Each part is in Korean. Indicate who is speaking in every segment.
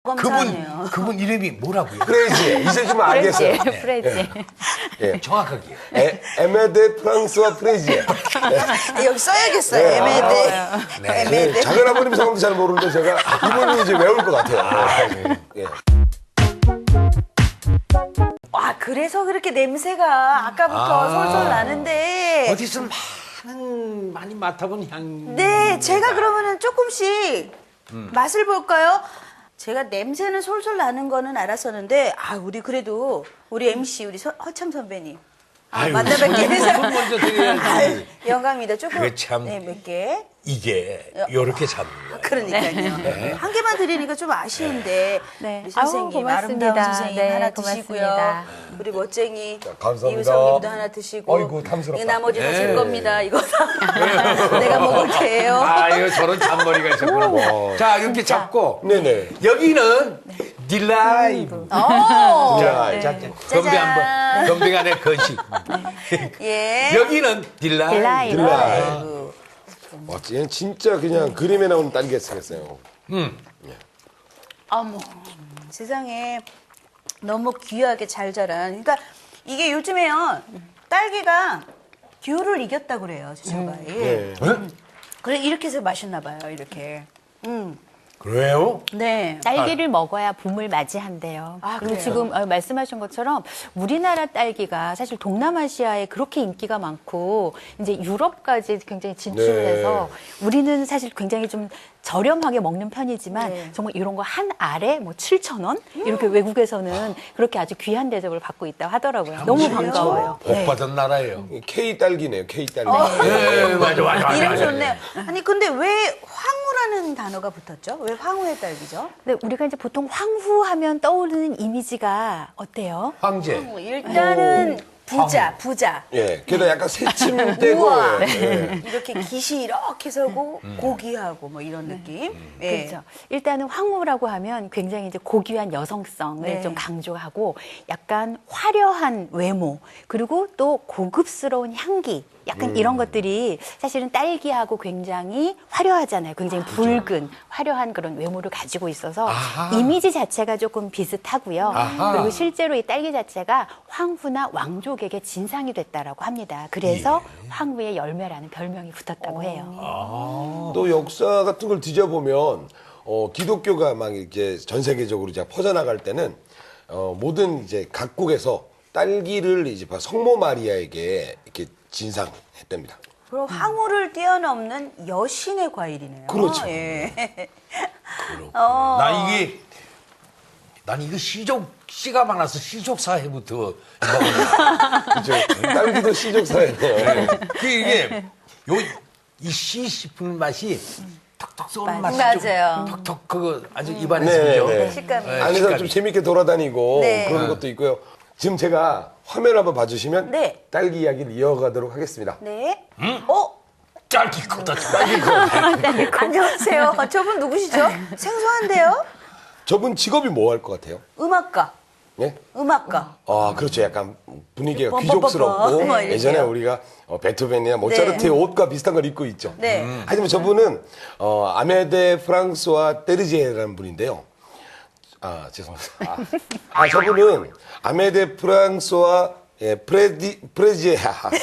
Speaker 1: 그분 이름이 뭐라고요?
Speaker 2: 프레지. 이제 좀 알겠어요.
Speaker 3: 프레지.
Speaker 2: 예.
Speaker 1: 정확하게.
Speaker 2: 에메데 프랑스와 프레지.
Speaker 4: 여기 써야겠어요.
Speaker 2: 네.
Speaker 4: 에메데. 에메데.
Speaker 2: 작은 아버님 성함도 잘 모르는데 제가 이분이 이제 외울 것 같아요. 예.
Speaker 4: 와, 그래서 그렇게 냄새가 아까부터 솔솔 나는데.
Speaker 1: 어디서 많이 맡아본 향.
Speaker 4: 네, 제가 그러면은 조금씩 맛을 볼까요? 제가 냄새는 솔솔 나는 거는 알았었는데, 우리 그래도 우리 MC 우리 허참 선배님 만나 뵙게 해서
Speaker 1: 손 먼저 드려야지.
Speaker 4: 영광입니다. 조금
Speaker 1: 그게 참-
Speaker 4: 네, 몇 개.
Speaker 1: 이게 요렇게 잡는 거예요.
Speaker 4: 그러니까요. 한 개만 드리니까 좀 아쉬운데
Speaker 3: 네.
Speaker 4: 우리 선생님,
Speaker 3: 아우, 고맙습니다.
Speaker 4: 아름다운 선생님
Speaker 3: 네,
Speaker 4: 하나
Speaker 3: 고맙습니다.
Speaker 4: 드시고요. 우리 멋쟁이
Speaker 2: 감사합니다.
Speaker 4: 이우성님도 하나 드시고.
Speaker 2: 어이구, 탐스럽다.
Speaker 4: 이 나머지 다 제 겁니다. 이거 다 내가 먹을 게예요.
Speaker 1: 이거 저런 잔머리가 있었구나. 자, 이렇게 잡고
Speaker 2: 네네.
Speaker 1: 여기는 딜라이브.
Speaker 4: 오.
Speaker 1: 자, 건배 한번. 건배가 내 건식.
Speaker 4: 예.
Speaker 1: 여기는 딜라이브.
Speaker 3: 딜라이브.
Speaker 2: 딜라이. 얘는 진짜 그냥 그림에 나오는 딸기 생겼어요.
Speaker 4: 어머, 세상에 너무 귀하게 잘 자란. 그러니까 이게 요즘에요, 딸기가 귤을 이겼다고 그래요, 제철과일.
Speaker 2: 네.
Speaker 4: 그래, 이렇게 해서 맛있나 봐요, 이렇게.
Speaker 1: 그래요?
Speaker 4: 네.
Speaker 3: 딸기를 먹어야 봄을 맞이한대요. 그리고
Speaker 4: 그래요?
Speaker 3: 지금 말씀하신 것처럼 우리나라 딸기가 사실 동남아시아에 그렇게 인기가 많고 이제 유럽까지 굉장히 진출해서 우리는 사실 굉장히 좀 저렴하게 먹는 편이지만
Speaker 4: 네.
Speaker 3: 정말 이런 거 한 알에 뭐 7,000원 이렇게 외국에서는 그렇게 아주 귀한 대접을 받고 있다고 하더라고요. 너무 반가워요.
Speaker 1: 복 받은 나라예요.
Speaker 2: K 딸기네요. K 딸기.
Speaker 1: 네, 맞아.
Speaker 4: 이름 좋네요. 아니, 근데 왜 황후라는 단어가 붙었죠? 왜 황후의 딸기죠?
Speaker 3: 근데 우리가 이제 보통 황후하면 떠오르는 이미지가 어때요?
Speaker 1: 황제.
Speaker 4: 일단은 부자.
Speaker 2: 예. 게다가 약간 새침대고.
Speaker 4: 우와.
Speaker 2: 예.
Speaker 4: 이렇게 깃이 이렇게 서고 고귀하고 뭐 이런 느낌. 예.
Speaker 3: 그렇죠. 일단은 황후라고 하면 굉장히 이제 고귀한 여성성을
Speaker 4: 네.
Speaker 3: 좀 강조하고 약간 화려한 외모 그리고 또 고급스러운 향기 약간 이런 것들이 사실은 딸기하고 굉장히 화려하잖아요. 굉장히 붉은 화려한 그런 외모를 가지고 있어서 이미지 자체가 조금 비슷하고요. 그리고 실제로 이 딸기 자체가 황후나 왕족에게 진상이 됐다라고 합니다. 그래서 황후의 열매라는 별명이 붙었다고 해요.
Speaker 2: 또 역사 같은 걸 뒤져보면 기독교가 막 이렇게 전 세계적으로 이제 퍼져나갈 때는 모든 이제 각국에서 딸기를 이제 성모 마리아에게 이렇게 진상했답니다.
Speaker 4: 그럼 황후를 뛰어넘는 여신의 과일이네요.
Speaker 2: 그렇죠.
Speaker 4: 예.
Speaker 1: 난 이거 씨가 많아서 씨족 사회부터 먹어요.
Speaker 2: 그렇죠. 딸기도 씨족사예요.
Speaker 1: 이게 이 씨 씹은 맛이 톡톡 쏘는 맛이
Speaker 4: 맞아요.
Speaker 1: 좀 톡톡 그거 아주 입안에
Speaker 2: 네,
Speaker 1: 스죠.
Speaker 2: 네.
Speaker 4: 식감이.
Speaker 2: 안에서
Speaker 1: 식감이.
Speaker 2: 좀 재밌게 돌아다니고
Speaker 4: 네.
Speaker 2: 그런 것도 있고요. 지금 제가 화면 한번 봐주시면
Speaker 4: 네.
Speaker 2: 딸기 이야기를 이어가도록 하겠습니다.
Speaker 4: 네.
Speaker 1: 짧게 컸다.
Speaker 4: 안녕하세요. 저분 누구시죠? 생소한데요?
Speaker 2: 저분 직업이 뭐 할 것 같아요?
Speaker 4: 음악가.
Speaker 2: 예?
Speaker 4: 음악가.
Speaker 2: 그렇죠. 약간 분위기가
Speaker 4: 뻔뻔뻔뻔.
Speaker 2: 귀족스럽고
Speaker 4: 뭐 이렇게요.
Speaker 2: 예전에 우리가 베토벤이나 모차르트의 옷과 비슷한 걸 입고 있죠.
Speaker 4: 네.
Speaker 2: 하지만 저분은 아메데 프랑스와 테르지에라는 분인데요. 죄송합니다. 저분은 아메데 프랑스와 프레지에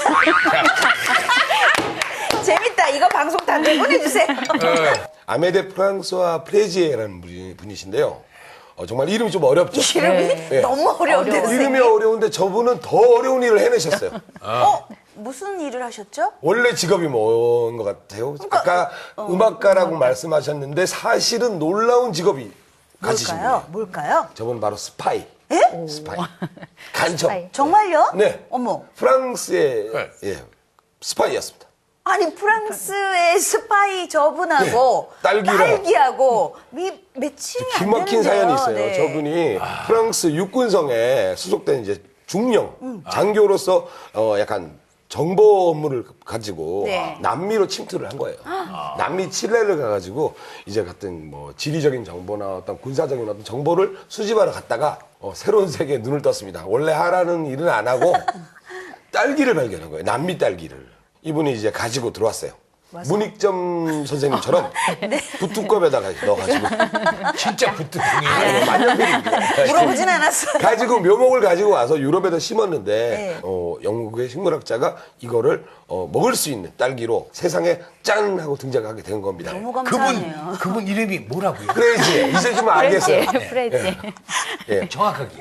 Speaker 4: 재밌다. 이거 방송 단체 보내주세요.
Speaker 2: 아메데 프랑스와 프레지에라는 분이신데요. 정말 이름이 좀 어렵죠.
Speaker 4: 이름이
Speaker 2: 네.
Speaker 4: 너무 어려운데.
Speaker 2: 이름이
Speaker 4: 선생님.
Speaker 2: 어려운데 저분은 더 어려운 일을 해내셨어요.
Speaker 4: 무슨 일을 하셨죠?
Speaker 2: 원래 직업이 뭔 것 같아요? 아까 음악가라고 말씀하셨는데 사실은 놀라운 직업이 가지신 분이에요.
Speaker 4: 뭘까요?
Speaker 2: 저분 바로 스파이.
Speaker 4: 예?
Speaker 2: 스파이. 간첩.
Speaker 3: 스파이.
Speaker 4: 정말요?
Speaker 2: 네.
Speaker 4: 어머.
Speaker 2: 프랑스의 스파이였습니다.
Speaker 4: 아니, 프랑스의 스파이 저분하고
Speaker 2: 네, 딸기랑.
Speaker 4: 딸기하고 매칭이 안
Speaker 2: 기막힌
Speaker 4: 되는데요.
Speaker 2: 사연이 있어요.
Speaker 4: 네.
Speaker 2: 저분이 프랑스 육군성에 수속된 이제 중령 장교로서 약간 정보 업무를 가지고
Speaker 4: 네.
Speaker 2: 남미로 침투를 한 거예요. 남미 칠레를 가가지고 이제 같은 뭐 지리적인 정보나 어떤 군사적인 어떤 정보를 수집하러 갔다가 새로운 세계에 눈을 떴습니다. 원래 하라는 일은 안 하고 딸기를 발견한 거예요. 남미 딸기를. 이분이 이제 가지고 들어왔어요. 문익점 선생님처럼 부뚜껑에다가 넣어가지고
Speaker 1: 진짜 부뚜껑이에요.
Speaker 2: 만년필입니다.
Speaker 4: 물어보진 않았어요.
Speaker 2: 가지고 묘목을 가지고 와서 유럽에다 심었는데
Speaker 4: 네.
Speaker 2: 영국의 식물학자가 이거를 먹을 수 있는 딸기로 세상에 짠 하고 등장하게 된 겁니다.
Speaker 4: 너무 감사하네요.
Speaker 1: 그분 이름이 뭐라고요?
Speaker 2: 프레이지 이제 좀 알겠어요.
Speaker 3: 프레지.
Speaker 2: 예.
Speaker 1: 정확하게.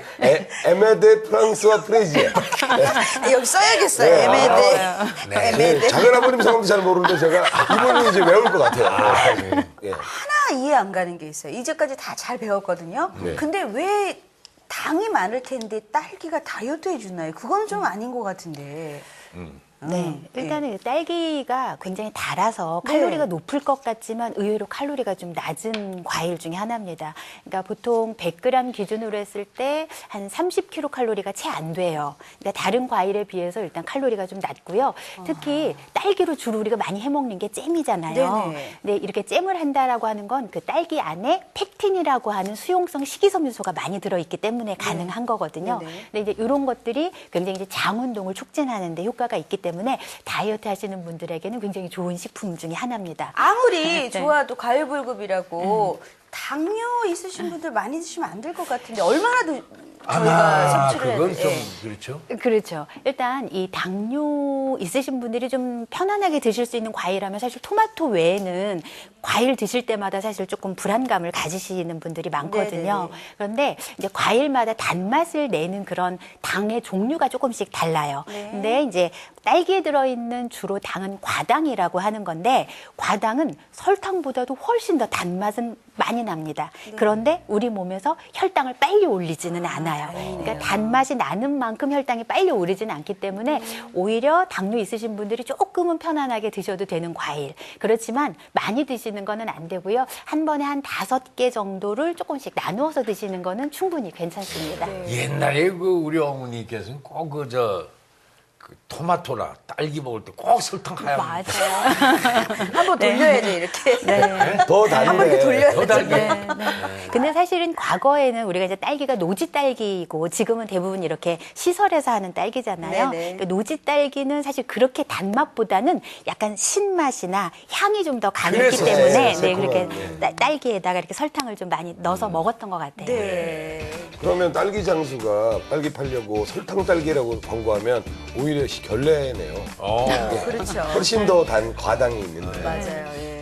Speaker 2: 에메데 프랑스와 프레지에.
Speaker 4: 여기 써야겠어요.
Speaker 2: 네.
Speaker 4: 에메데. 에메데.
Speaker 2: 작은 아버님 성함도 잘 모르는데 제가 이분은 이제 외울 것 같아요. 예.
Speaker 4: 하나 이해 안 가는 게 있어요. 이제까지 다 잘 배웠거든요.
Speaker 2: 네.
Speaker 4: 근데 왜 당이 많을 텐데 딸기가 다이어트 해주나요? 그건 좀 아닌 것 같은데.
Speaker 3: 네, 일단은 딸기가 굉장히 달아서 칼로리가
Speaker 4: 네.
Speaker 3: 높을 것 같지만 의외로 칼로리가 좀 낮은 과일 중에 하나입니다. 그러니까 보통 100g 기준으로 했을 때 한 30kcal가 채 안 돼요. 그러니까 다른 과일에 비해서 일단 칼로리가 좀 낮고요. 특히 딸기로 주로 우리가 많이 해먹는 게 잼이잖아요.
Speaker 4: 네네.
Speaker 3: 근데 이렇게 잼을 한다라고 하는 건 그 딸기 안에 펙틴이라고 하는 수용성 식이섬유소가 많이 들어있기 때문에 가능한 거거든요.
Speaker 4: 네네.
Speaker 3: 근데 이제 이런 것들이 굉장히 이제 장 운동을 촉진하는 데 효과가 있기 때문에 다이어트 하시는 분들에게는 굉장히 좋은 식품 중에 하나입니다.
Speaker 4: 아무리 좋아도 과일불급이라고 당뇨 있으신 분들 많이 드시면 안 될 것 같은데 얼마나 저희가 섭취를 해야
Speaker 1: 그건
Speaker 4: 돼요?
Speaker 1: 좀
Speaker 4: 예.
Speaker 1: 그렇죠.
Speaker 3: 그렇죠. 일단 이 당뇨 있으신 분들이 좀 편안하게 드실 수 있는 과일하면 사실 토마토 외에는 과일 드실 때마다 사실 조금 불안감을 가지시는 분들이 많거든요.
Speaker 4: 네네.
Speaker 3: 그런데 이제 과일마다 단맛을 내는 그런 당의 종류가 조금씩 달라요.
Speaker 4: 네.
Speaker 3: 근데 이제 딸기에 들어있는 주로 당은 과당이라고 하는 건데 과당은 설탕보다도 훨씬 더 단맛은 많이 납니다. 그런데 우리 몸에서 혈당을 빨리 올리지는 않아요. 그러니까 단맛이 나는 만큼 혈당이 빨리 오르지는 않기 때문에 오히려 당뇨 있으신 분들이 조금은 편안하게 드셔도 되는 과일. 그렇지만 많이 드시는 거는 안 되고요. 한 번에 한 5개 정도를 조금씩 나누어서 드시는 거는 충분히 괜찮습니다.
Speaker 1: 옛날에 그 우리 어머니께서는 꼭 그 토마토나 딸기 먹을 때 꼭 설탕 하얀
Speaker 3: 맞아요.
Speaker 4: 한번 돌려야죠 이렇게.
Speaker 2: 더
Speaker 4: 한 바퀴
Speaker 2: 달네.
Speaker 4: 돌려야죠.
Speaker 1: 더 달게.
Speaker 3: 네. 근데 사실은 과거에는 우리가 이제 딸기가 노지 딸기고 지금은 대부분 이렇게 시설에서 하는 딸기잖아요.
Speaker 4: 네네.
Speaker 3: 그러니까 노지 딸기는 사실 그렇게 단맛보다는 약간 신맛이나 향이 좀 더 강했기
Speaker 1: 그래서
Speaker 3: 때문에
Speaker 2: 새콤한,
Speaker 3: 그렇게
Speaker 2: 네.
Speaker 3: 딸기에다가 이렇게 설탕을 좀 많이 넣어서 먹었던 것 같아요.
Speaker 4: 네.
Speaker 2: 그러면 딸기 장수가 딸기 팔려고 설탕 딸기라고 광고하면 오히려 결례네요.
Speaker 4: 그렇죠.
Speaker 2: 훨씬 더 단 과당이 있는데.
Speaker 4: 맞아요. 예.